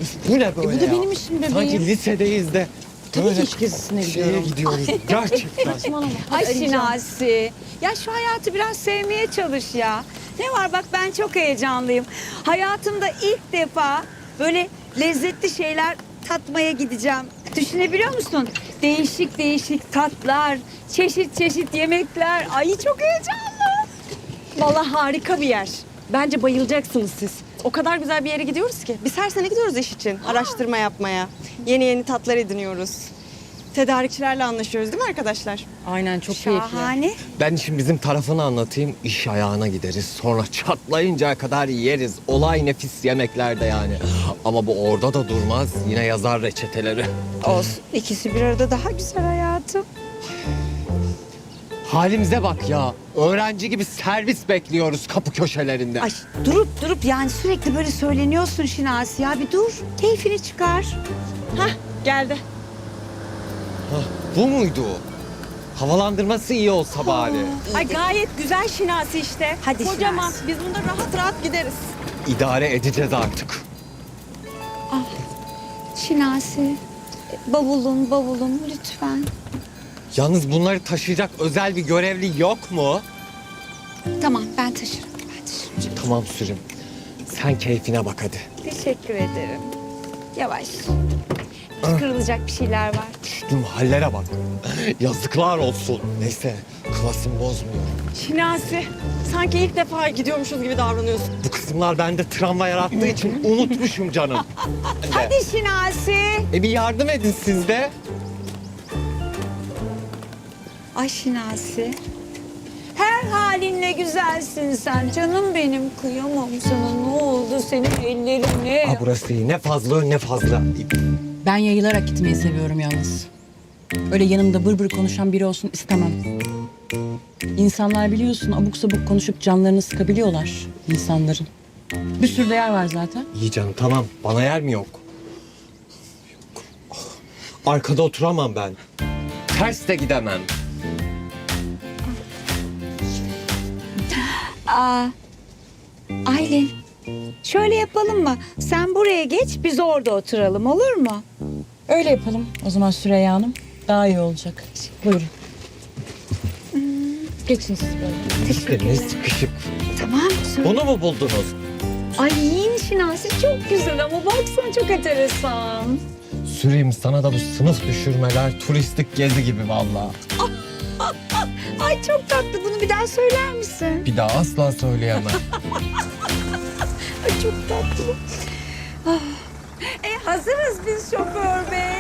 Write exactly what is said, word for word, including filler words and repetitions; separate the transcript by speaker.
Speaker 1: Bu ne böyle
Speaker 2: E, bu da
Speaker 1: ya?
Speaker 2: benim işim bebeğim.
Speaker 1: Sanki lisedeyiz de.
Speaker 2: Tabii
Speaker 1: böyle
Speaker 2: ki iş gezisine
Speaker 1: şeye
Speaker 2: gidiyorum.
Speaker 1: gidiyoruz. Gerçekten.
Speaker 2: Saçmalama.
Speaker 3: Ay
Speaker 2: Hadi arayacağım.
Speaker 3: Şinasi. Ya şu hayatı biraz sevmeye çalış ya. Ne var bak ben çok heyecanlıyım. Hayatımda ilk defa böyle lezzetli şeyler tatmaya gideceğim. Düşünebiliyor musun? Değişik değişik tatlar, çeşit çeşit yemekler. Ay çok heyecanlı.
Speaker 2: Vallahi harika bir yer. Bence bayılacaksınız siz. O kadar güzel bir yere gidiyoruz ki. Biz her sene gidiyoruz iş için. Araştırma yapmaya. Yeni yeni tatlar ediniyoruz. Tedarikçilerle anlaşıyoruz değil mi arkadaşlar?
Speaker 4: Aynen çok keyifli.
Speaker 3: Şahane.
Speaker 1: Ben şimdi bizim tarafını anlatayım. İş ayağına gideriz. Sonra çatlayıncaya kadar yeriz. Olay nefis yemeklerde yani. Ama bu orada da durmaz. Yine yazar reçeteleri.
Speaker 3: Olsun. İkisi bir arada daha güzel hayatım.
Speaker 1: Halimize bak ya. Öğrenci gibi servis bekliyoruz kapı köşelerinde.
Speaker 3: Ay durup durup yani sürekli böyle söyleniyorsun Şinasi ya. Bir dur. Keyfini çıkar.
Speaker 2: Hah geldi.
Speaker 1: Hah, bu muydu? Havalandırması iyi olsa bari.
Speaker 2: Ay gayet güzel Şinasi işte.
Speaker 3: Hadi
Speaker 2: Kocaman.
Speaker 3: Şinasi.
Speaker 2: Biz bunda rahat rahat gideriz.
Speaker 1: İdare edeceğiz artık.
Speaker 3: Şinasi. Bavulum bavulum lütfen.
Speaker 1: Yalnız bunları taşıyacak özel bir görevli yok mu?
Speaker 3: Tamam ben taşırım. Ben taşırım.
Speaker 1: Tamam Sürüm. Sen keyfine bak hadi.
Speaker 3: Teşekkür ederim. Yavaş. Kırılacak bir şeyler var.
Speaker 1: Düştüm hallere bak. Yazıklar olsun. Neyse klasımı bozmuyorum.
Speaker 2: Şinasi. Sanki ilk defa gidiyormuşuz gibi davranıyorsun.
Speaker 1: Bu kısımlar bende travma yarattığı için unutmuşum canım.
Speaker 3: Hadi Şinasi.
Speaker 1: E bir yardım edin siz de.
Speaker 3: Ay Şinasi. Her halinle güzelsin sen. Canım benim kıyamam sana. Ne oldu senin ellerine?
Speaker 1: Aa, burası iyi. Ne fazla ne fazla.
Speaker 4: Ben yayılarak gitmeyi seviyorum yalnız. Öyle yanımda bır bır konuşan biri olsun istemem. İnsanlar biliyorsun abuk sabuk konuşup canlarını sıkabiliyorlar insanların. Bir sürü de yer var zaten.
Speaker 1: İyi canım tamam. Bana yer mi yok? Yok. Arkada oturamam ben. Ters de gidemem.
Speaker 3: Aa, Aylin. Şöyle yapalım mı? Sen buraya geç, biz orada oturalım olur mu?
Speaker 4: Öyle yapalım o zaman Süreyya Hanım. Daha iyi olacak. Buyurun. Geçin siz böyle.
Speaker 1: İşte ne sıkışık.
Speaker 3: Tamam. Söyle.
Speaker 1: Bunu mu buldunuz?
Speaker 3: Ay yiyin Şinasi çok güzel ama baksana çok enteresan.
Speaker 1: Süreyim sana da bu sınıf düşürmeler turistik gezi gibi vallahi.
Speaker 3: Ay çok tatlı. Bunu bir daha söyler misin?
Speaker 1: Bir daha asla söyleyemem.
Speaker 3: Ay çok tatlı. Ah. E hazırız biz şoför bey.